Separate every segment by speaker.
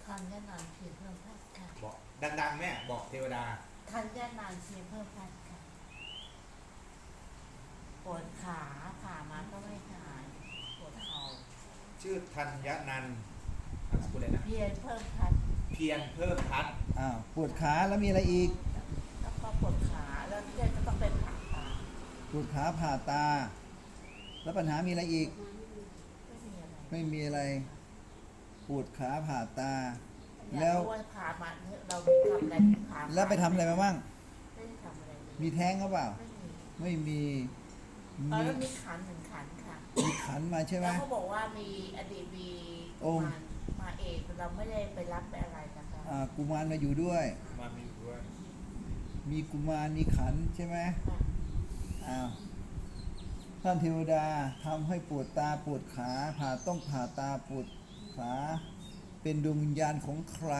Speaker 1: ธัญญนันท์เพียรเพิ่มพัฒน์ค่ะ
Speaker 2: บอกดังๆแม่บอกเทวดา
Speaker 1: ธัญญนันท์เพียรเพิ่มพัฒน์ค่ะปวดขาผ่ามาก็ไม่หายปวดเข่า
Speaker 2: ชื่อธัญนันท์นามสกุลอะไรนะ
Speaker 1: เพียรเพิ่มพัฒน์
Speaker 2: เพียรเพิ่มพัฒน์
Speaker 3: ปวดขาแล้วมีอะไรอีก
Speaker 1: แล้วก็ปวดขาแล้วเพื่อนก็ต้องเป็นผ่าตา
Speaker 3: ปวดขาผ่าตาแล้วปัญหามีอะไรอีกไม่มีอะไรปวดขาผ่าตาแล้ว
Speaker 1: ผ่ามาเราทำอะไรผ่า
Speaker 3: แล้วไปทำอะไรมาบ้าง
Speaker 1: ไม่ได้ทำอะไร
Speaker 3: มีแท้งหรือเปล่าไม่มี
Speaker 1: แล้วมีขันหนึ่งขันค่ะ
Speaker 3: มีขันมาใช่ไหม
Speaker 1: แล้วเขาบอกว่ามีอดีตมีมาเอกเราไม่ได้ไปรับไปอะไรนะคะ
Speaker 3: กุมารมาอยู่ด้วย
Speaker 2: มามีด้วย
Speaker 3: มีกุมารมีขันใช่ไหมท่านเทวดาทำให้ปวดตาปวดขาต้องผ่าตาปวดขาเป็นดวงวิญญาณของใคร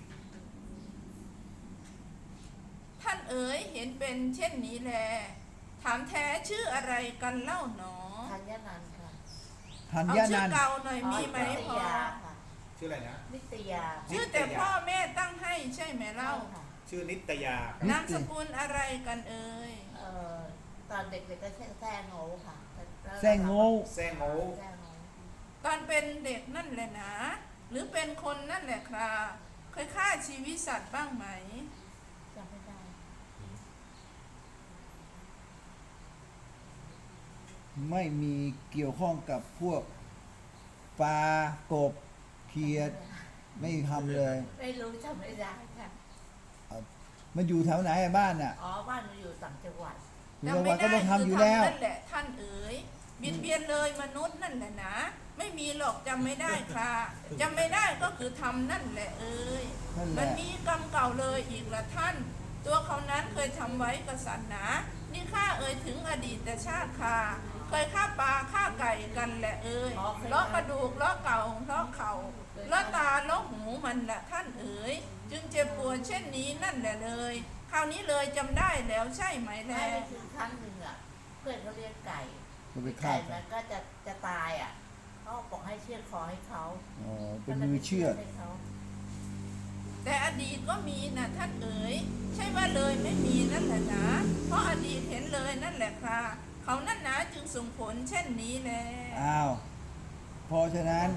Speaker 4: ท่านเอ๋ยเห็นเป็นเช่นนี้แลถามแท้ชื่ออะไรกันเล่าหนอ
Speaker 1: ธัญนันท์ค่ะ
Speaker 3: ธัญ
Speaker 4: นันท์เอาชื่อเก่าหน่อยมีไหมพอ
Speaker 2: ชื่ออะไรนะ
Speaker 1: นิตยา
Speaker 4: ชื่อแต่พ่อแม่ตั้งให้ใช่ไหมเล่า
Speaker 2: ชื่อนิตยาน
Speaker 4: ามสกุลอะไรกันเอ่ย
Speaker 1: ตอนเด็กๆก็แซ่โง่ค่ะ
Speaker 3: แซ่โง่
Speaker 4: ตอนเป็นเด็กนั่นแหละนะหรือเป็นคนนั่นแหละครับเคยฆ่าชีวิตสัตว์บ้างไหม
Speaker 1: จำไม่ได้
Speaker 3: ไม่มีเกี่ยวข้องกับพวกปลากบเขียดไม่ทำเลย
Speaker 1: ไม่รู้จำไม่ได้ค่ะ
Speaker 3: มันอยู่แถวไหนบ้านน่ะ
Speaker 1: บ้านมันอยู่ต่างจังหวัด
Speaker 3: จังหวัดก็ต้องทำอยู่แล้ว
Speaker 4: นั่นแหละท่านเอ๋ยบิดเบียนเลยมนุษย์นั่นแหละนะไม่มีหรอกจำไม่ได้ค่ะจำไม่ได้ก็คือทำนั่นแหละเอ๋ยมันมีกรรมเก่าเลยอีกละท่านตัวเขานั้นเคยทำไว้กษัตริย์นะนี่ข้าเอ๋ยถึงอดีตชาติค่ะเคยฆ่าปลาฆ่าไก่กันแหละเอ๋ยล้อกระดูกล้อเก่าล้อเข่าล้อตาล้อหูมันแหละท่านเอ๋ยจึงเจ็บปวดเช่นนี้นั่นแหละเลยคราวนี้เลยจำได้แล้วใช่ไหมแล้
Speaker 1: วถึงครั้งหนึ่งอ่ะเพื่อนเขาเลี้ยงไก่มันก็จะตายอ่ะเขาบอกให้เชือดคอให้เขา
Speaker 3: เป็นมือเชือด
Speaker 4: แต่อดีตก็มีนะท่านเอ๋ยใช่ว่าเลยไม่มีนั่นแหละนะเพราะอดีตเห็นเลยนั่นแหละค่ะเขานั่นนะจึงส่งผลเช่นนี้แหละ
Speaker 3: เพราะฉะนั้น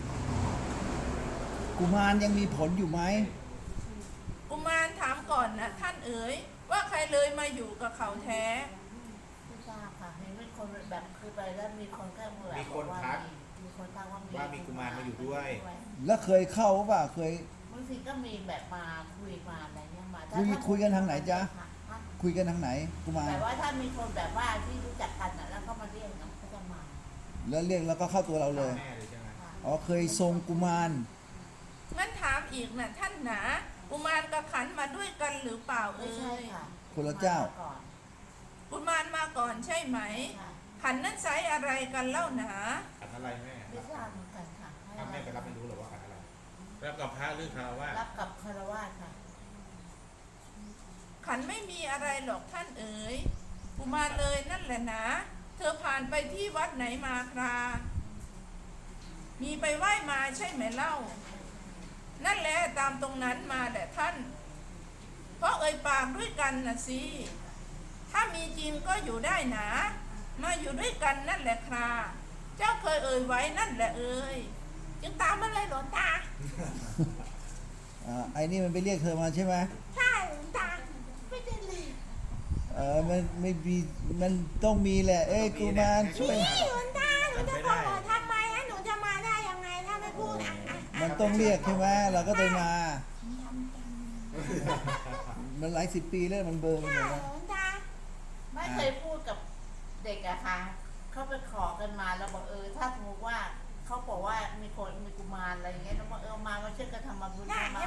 Speaker 3: กุมารยังมีผลอยู่ไหม
Speaker 4: กุมารถามก่อนนะท่านเอ๋ยว่าใครเลยมาอยู่กับเขาแท้
Speaker 1: ไม่ทราบค่ะเห็นเป็นคนแบบคือไปแล้วมีคนแค่เมื่อ
Speaker 2: มีคนทักว่ามีกุมารมาอยู่ด้วย
Speaker 3: แล้วเคยเข้าป่ะเคย
Speaker 1: บางทีก็มีแบบมาคุยมาอะไรเงี้ยมา
Speaker 3: คุยกันทางไหนจ๊ะคุยกันทางไหนกุมาร
Speaker 1: แต่ว่าถ้ามีคนแบบว่าที่รู้จักกันแล้วเขามาเรียกนะเขาจะมา
Speaker 3: แล้วเรียกแล้วก็เข้าตัวเราเลยเคยทรงกุมาร
Speaker 4: งั้นถามอีกนะท่านหนากุมารกับขันมาด้วยกันหรือเปล่า
Speaker 1: เอ่ย
Speaker 3: คนละเจ้า
Speaker 4: กุมารมาก่อนใช่ไหมขันนั้นใช้อะไรกันเล่าหนา
Speaker 2: ขันอะไรแม่
Speaker 1: ไม่ทราบเหมือนกันค่ะ
Speaker 2: แม่ไปรับไม่รู้หรอว่าขันอะไร
Speaker 5: รับกับพระหรือคารวะ
Speaker 1: รับกับคารวะค่ะ
Speaker 4: ขันไม่มีอะไรหรอกท่านเอ๋ยกุมารเลยนั่นแหละนะเธอผ่านไปที่วัดไหนมาครามีไปไหว้มาใช่ไหมเล่านั่นแหละตามตรงนั้นมาแหละท่านเพราะเอ่ยปากด้วยกันนะสิถ้ามีจริงก็อยู่ได้นะมาอยู่ด้วยกันนั่นแหละคราเจ้าเคยเอ่ยไว้นั่นแหละเอ่ยจึงตามมาเลยหลวงตา
Speaker 3: ไอ้นี่มันไปเรียกเธอมาใช่ไหม
Speaker 4: ใช่หลวงตาไม่ได้เลย
Speaker 3: มันไม่มีมันต้องมีแหละกุมารช่วย
Speaker 4: หลวงตาหนูจะขอทำไมนะหนูจะมาได้ยังไงถ้าไม่พูด
Speaker 3: มันต้องเรียกใช่ไหมเราก็เลยมามันหลายสิบปีแล้วมันเบอร์มันหมดแล้ว
Speaker 1: ไม่เคยพูดกับเด็กอะค่ะเขาไปขอกันมาแล้วบอกถ้าสมมติว่าเขาบอกว่ามีคนมีกุมารอะไรอย่างเงี้ยแล้วบอกมาเชื่อกันทำมาบุญมา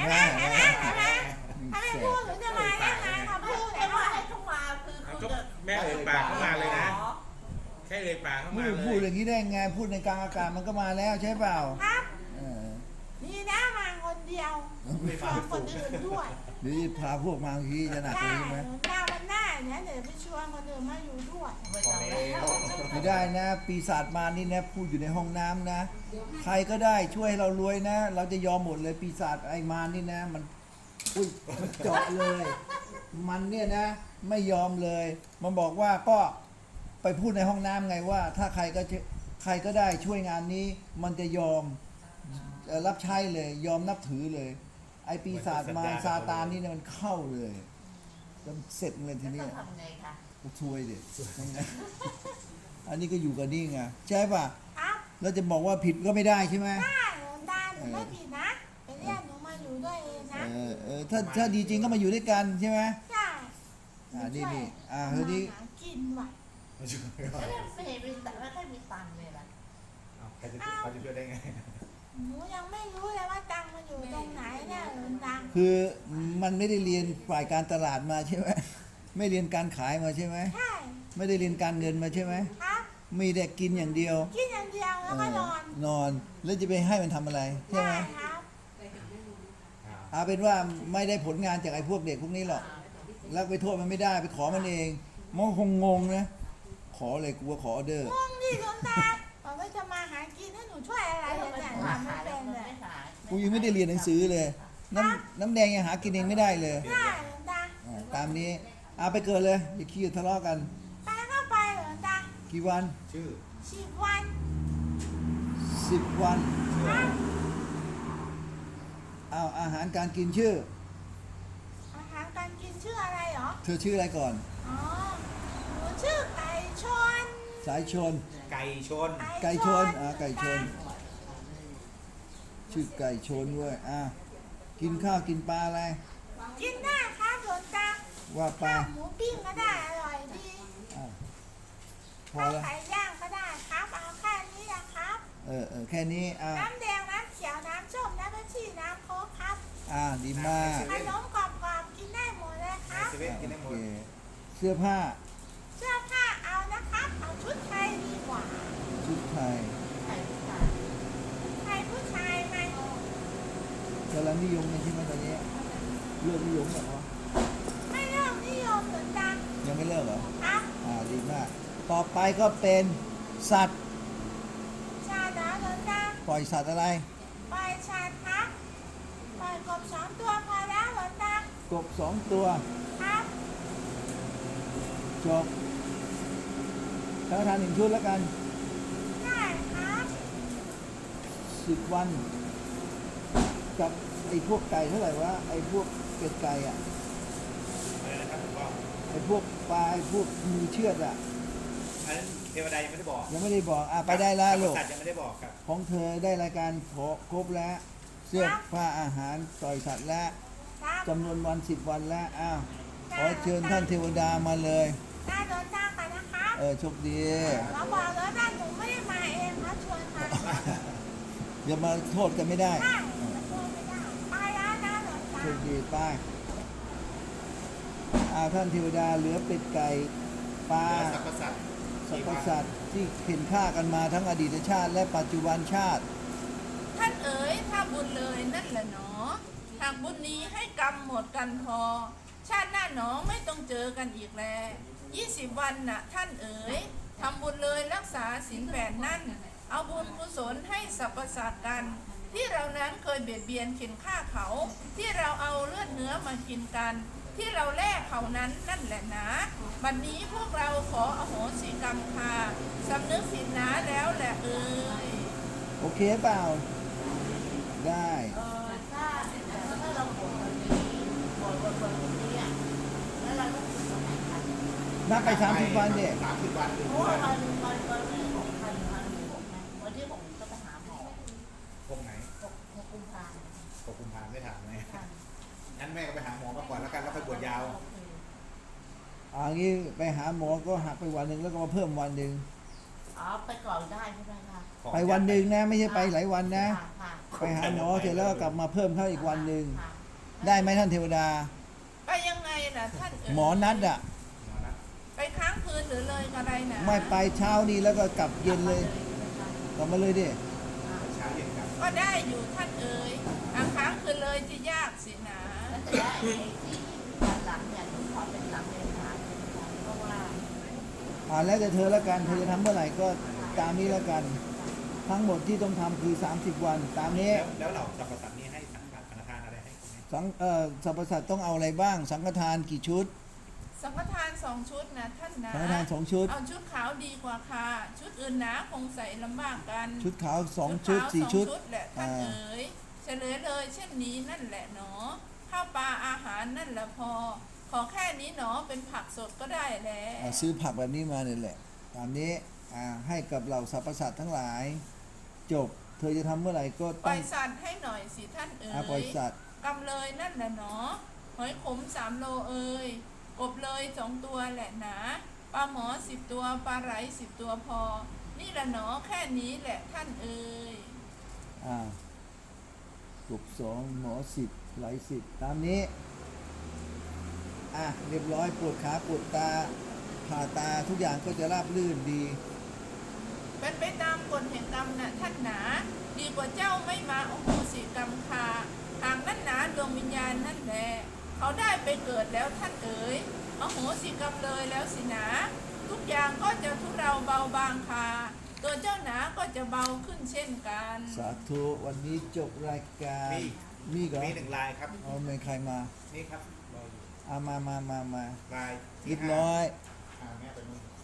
Speaker 4: ถ้าไม่พูดหนูจะมาได้ไงขอพูด
Speaker 1: ให้เขามาคือ
Speaker 5: แม่เอ่ยปากเข้ามาเลยนะแค่เอ่ยปากเข้ามาเลย
Speaker 3: พูดอย่างนี้ได้ไงพูดในกลางอากาศมันก็มาแล้วใช่เปล่า
Speaker 4: ครับนี่นะมาคนเดียวไม่ฟังคนอื่นด้วย
Speaker 3: หรือพาพวกมาทีจะหนักเลยใช่ไหม
Speaker 4: หน้ามันหน้า
Speaker 6: เนี่ยเดี๋ยวไปชวนคนอื่นมาอยู่ด้วย
Speaker 1: ไม่
Speaker 2: พอ
Speaker 1: ต้อง
Speaker 2: แล้
Speaker 1: แล้ว ว
Speaker 3: ไม่ได้นะ ปีศาจมานี่นะพูดอยู่ในห้องน้ำนะ ใครก็ได้ช่วยให้เรารวยนะ เราจะยอมหมดเลยปีศาจไอ้มารนี่นะ มันอุ้ยมันเจาะเลย มันเนี่ยนะ ไม่ยอมเลย มันบอกว่าก็ไปพูดในห้องน้ำไงว่า ถ้าใครก็ได้ช่วยงานนี้ มันจะยอมรับใช้เลยยอมนับถือเลย ไอ้ปีศาจมารซาตานนี่เนี่ยมันเข้าเลยจะเสร็จเลยที
Speaker 1: แล้ว
Speaker 3: เนี้
Speaker 1: ต้อย งทำไงคะ
Speaker 3: ก็ช่วยดิอันนี้ก็อยู่กับนี่ไงใช่ป่ะ
Speaker 6: ครับ
Speaker 3: แล้วจะบอกว่าผิดก็ไม่ได้ใช่ไหม
Speaker 6: ได้หลวงตาหนูไม่ผิดนะไปเรียกหนูมาอยู่ด้วยเองนะ
Speaker 3: ถ้าดีจริงก็มาอยู่ด้วยกันใช่ไหม
Speaker 6: ใช่
Speaker 3: นี่เฮ้ย
Speaker 6: นี่
Speaker 3: นี่
Speaker 6: หากินว่ะ
Speaker 2: ไม่ช่วย
Speaker 1: แล้วไม่เห็นมีแต่ไม่ค่อยมีตังค์เลยล่ะ
Speaker 2: เอาใครจะเขาจะช่วยได้ไง
Speaker 6: หนูยังไม่รู้เลยว่าตังค์มันอยู่ตรงไหนเนี่ยหลวงตา
Speaker 3: คือมันไม่ได้เรียนฝ่ายการตลาดมาใช่ไหมไม่เรียนการขายมาใช่ไหม
Speaker 6: ใช่
Speaker 3: ไม่ได้เรียนการเงินมาใช่ไหม
Speaker 6: ครับ
Speaker 3: มีแต่กินอย่างเดียว
Speaker 6: กินอย่างเดียวแล้วก็นอน
Speaker 3: นอนแล้วจะไปให้มันทำอะไรใช่ไหม
Speaker 6: ได้ครับ
Speaker 3: เอาเป็นว่าไม่ได้ผลงานจากไอ้พวกเด็กพวกนี้หรอกแล้วไปโทษมันไม่ได้ไปขอมันเองมันคงงงนะขอเลยกูว่าขอออเดอร์
Speaker 6: งงดิหลวงตาบอกว่าจะมาหากินให้หนูช่วยอะไร
Speaker 1: แล้ว
Speaker 6: เนี่ย
Speaker 1: มัน
Speaker 6: เนี่ย
Speaker 1: หา
Speaker 6: ทำไม่
Speaker 1: ขายแล้ว
Speaker 6: เป็น
Speaker 1: มัน
Speaker 6: เลย
Speaker 1: ไม่ขาย
Speaker 3: กูยังไม่ได้เรียนหนังสือเลย น้ำแดงยังหากินเองไม่ได้เลย
Speaker 6: ได้หลวงตา
Speaker 3: ตามนี้เอาไปเกิดเลยอย่าขี้ทะเลาะกัน
Speaker 6: ไปก็ไปหลวงตา
Speaker 3: กี่วัน
Speaker 2: ชื่อ
Speaker 6: 10 วัน
Speaker 3: 10 วัน
Speaker 6: ครับ
Speaker 3: เอาอาหารการกินชื่อ
Speaker 6: อาหารการกินชื่ออะไรเหรอ
Speaker 3: เธอชื่ออะไรก่อน
Speaker 6: อ๋อหนูชื่อไก่ชน
Speaker 3: สายชน
Speaker 2: ไก่ชน
Speaker 3: ไก่ชนไก่ชน ชื่อไก่ชนด้วยกินข้าวกินปลาอะไร
Speaker 6: กินได้ครับหลวงตา
Speaker 3: ว่าไป
Speaker 6: ข้าวหมูปิ้งก็ได้อร่อยดี
Speaker 3: อ่ะพอ
Speaker 6: ข้าว
Speaker 3: แล้ว
Speaker 6: ไก่ย่างก็ได้ครับเอาแค่นี้นะครับ
Speaker 3: แค่นี้
Speaker 6: น้ำแดงน้ำเขียวน้ำส้มน้ำเปปซี่น้ำโค้กครับ
Speaker 3: ดีมาก
Speaker 6: ขนมกรอบๆกินได้หมดเลยครับ
Speaker 2: เซเว่นกินได้หม
Speaker 3: โอ
Speaker 2: ด
Speaker 3: เคเสื้อผ้า
Speaker 6: เสื้อผ้าเอานะครับเอาชุดไทยดีกว่า
Speaker 3: ชุดไทย
Speaker 1: ขายผู้ชาย
Speaker 6: ไทยผู้ชายไหม
Speaker 3: กำลังนิยมเลยใช่ไหมตอนนี้เลิกนิยมเหรอ
Speaker 6: ไม่เริ่มนิยมหลวงตา
Speaker 3: ยังไม่เลิกเหรอ
Speaker 6: ครับ
Speaker 3: ดีมาก ต่อไปก็เป็นสัตว์
Speaker 6: ชาดาหลวงตา
Speaker 3: ปล่อยสัตว์อะไร
Speaker 6: ปล่อยชาดครับปล่อยกบ2 ตัวพอแล้วหลวงตาก
Speaker 3: บ2 ตัว
Speaker 6: ครับ
Speaker 3: จบสังฆทาน1 ชุดแล้วกัน
Speaker 6: ได้ครับ
Speaker 3: 10 วัน กับไอ้พวกไก่เท่าไหร่วะไอ้พวกเป็ดไก่อะ
Speaker 2: อะไรนะครับผมว่า
Speaker 3: ไอ้พวกปลาไอ้พวกมือเชือดอะ
Speaker 2: อันนั้นเทวดายังไม่ได้บอก
Speaker 3: ยังไม่ได้บอกไปได้แล้วลูก
Speaker 2: สัตว์ยังไม่ได้บอกครับ
Speaker 3: ของเธอได้รายการขอครบแล้ว เสื้อผ้าอาหารปล่อยสัตว์แล้ว
Speaker 6: ครับ
Speaker 3: จำนวนวัน10 วันแล้วขอเชิญท่านเทวดามาเลย
Speaker 6: ได้หลวงตากันนะครับ
Speaker 3: โชคดี
Speaker 6: เราบอกแล้วนะหนูไม่ได้มาเองครับชวนมา
Speaker 3: อย่ามาโทษกันไม่ได้
Speaker 6: ได้ชวนไม่ได้ไปแล้วนะหลวงตา
Speaker 3: โชคดีไป้ท่านเทวดาเหลือเป็ดไก่ปลา
Speaker 2: สรรพสัตว์
Speaker 3: สรรพสัตว์ที่เข็นฆ่ากันมาทั้งอดีตชาติ และปัจจุบันชาติ
Speaker 4: ท่านเอ๋ยถ้าบุญเลยนั่นแหละหนอหากบุญนี้ให้กรรมหมดกันพอ ชาติหน้าหนอไม่ต้องเจอกันอีกแล20 วันน่ะท่านเอ๋ยทำบุญเลยรักษาศีล8นั่น เอาบุญกุศลให้สรรพสัตว์กัน ที่เรานั้นเคยเบียดเบียนเข็นฆ่าเขา ที่เราเอาเลือดเนื้อมากินกัน ที่เราแลกเขานั้นนั่นแหละนะบัดนี้พวกเราขออโหสิกรรมค่ะสำนึกผิดนะแล้วแหละเอ๋ย
Speaker 3: โอเคเปล่า ได้
Speaker 1: ถ้าเราบวชวันนี้บวชวันนี้อ่ะแล้วเราต้องบวชวันไหนคะ
Speaker 3: นับไป30 วันเนี่ย
Speaker 2: 30 วันถึง
Speaker 1: เพราะว่าวันที่6วันที่6ก็ไปหาหมอ
Speaker 2: พวกไหน
Speaker 1: 6 กุมภาพันธ์
Speaker 2: 6 กุมภาพันธ์ไม่ถามเลย
Speaker 1: ค่ะ
Speaker 2: งั้นแม่ก็ไปหาหมอมาก่อนแล้วกันแล้วค่อยบวชยาว
Speaker 3: งี้ไปหาหมอก็หักไปวันหนึ่งแล้วก็มาเพิ่มวันหนึ่ง
Speaker 1: อ๋อไปก่อนได้ใช่ไหมคะ
Speaker 3: ไปวันหนึ่งนะ ไม่ใช่ไปหลายวันนะ
Speaker 1: ค่ะ
Speaker 3: ไปหาหมอเสร็จแล้วก็กลับมาเพิ่มเข้าอีกวันหนึ่ง
Speaker 1: ค่ะ
Speaker 3: ได้ไหมท่านเทวดา
Speaker 4: ไปยังไงล่ะท่านเอ๋ย
Speaker 3: หมอนัดอ่ะ
Speaker 2: หมอนะ
Speaker 4: ไปค้างคืนหรือเลยอะไรนะ
Speaker 3: ไม่ไปเช้านี้แล้วก็กลับเย็นเลย กลับมาเลยดิ
Speaker 2: เช้าเย็นกลับ
Speaker 4: ก็ได้อยู่ท่านเอ๋ยค้างคืนเลยจะยากสินะ
Speaker 1: แล้วแต่ว่าไอ้ที่วันหลังเนี่ยหนูขอเป็นหลังเดือนหา
Speaker 3: แล้วแต่เธอละกันเธอจะทำเมื่อไหร่ก็ตามนี้ละกัน ทั้งหมดที่ต้องทำคือ 30 วันตามนี้
Speaker 2: แล้วเราสรรพสัตว์นี้ให้สังฆทานอะไรให้ไหม
Speaker 3: สรรพสัตว์ต้องเอาอะไรบ้าง สังฆทานกี่ชุด
Speaker 4: สังฆทาน2 ชุดนะท่านนะ
Speaker 3: สังฆทาน2 ชุด
Speaker 4: เอาชุดขาวดีกว่าค่ะ ชุดอื่นหนาคงใส่ลำบากกัน
Speaker 3: ชุดขาว2 ชุด 4 ชุด
Speaker 4: แหละท่านเอ๋ยเฉลยเลยเช่นนี้นั่นแหละหนอข้าวปลาอาหารนั่นแหละพอ ขอแค่นี้หนอเป็นผักสดก็ได้แล้ว
Speaker 3: ซื้อผักแบบนี้มาเนี่ยแหละตามนี้ให้กับเหล่าสรรพสัตว์ทั้งหลาย จบ เธอจะทำเมื่อไหร่ก็
Speaker 4: ปล่
Speaker 3: ตั้
Speaker 4: อง ยสัตว์ให้หน่อยสิท่านเอ๋
Speaker 3: ปล่อย
Speaker 4: ย
Speaker 3: สัตว์
Speaker 4: กำเลยนั่นแหละหนอหอยขม3 โลเอ๋ยกบเลย2 ตัวแหละหนาปลาหมอ10 ตัวปลาไหล10 ตัวพอ นี่ละหนอแค่นี้แหละท่านเอ๋ย
Speaker 3: กบ2หมอ10ไหล10ตามนี้เรียบร้อยปวดขาปวดตาผ่าตาทุกอย่างก็จะราบรื่นดี
Speaker 4: เป็นไปตามกฎแห่งกรรมนะท่านหนา ดีกว่าเจ้าไม่มาโอโหสิกรรมคาหากนั่นหนาดวงวิญญาณนั่นแหละเขาได้ไปเกิดแล้วท่านเอ๋ยอโหสิกรรมเลยแล้วสินะทุกอย่างก็จะทุเราเบาบางคาตัวเจ้าหนาก็จะเบาขึ้นเช่นกัน
Speaker 3: สาธุวันนี้จบรายการ
Speaker 2: มี
Speaker 3: เหรอ
Speaker 2: มี1 ลายครับ
Speaker 3: เอาเป็นใครมา
Speaker 2: นี่ครับรออยู่
Speaker 3: มา
Speaker 2: ลาย
Speaker 3: เรี
Speaker 2: ที่
Speaker 3: ยบร้อย
Speaker 2: แม่ไปนู่น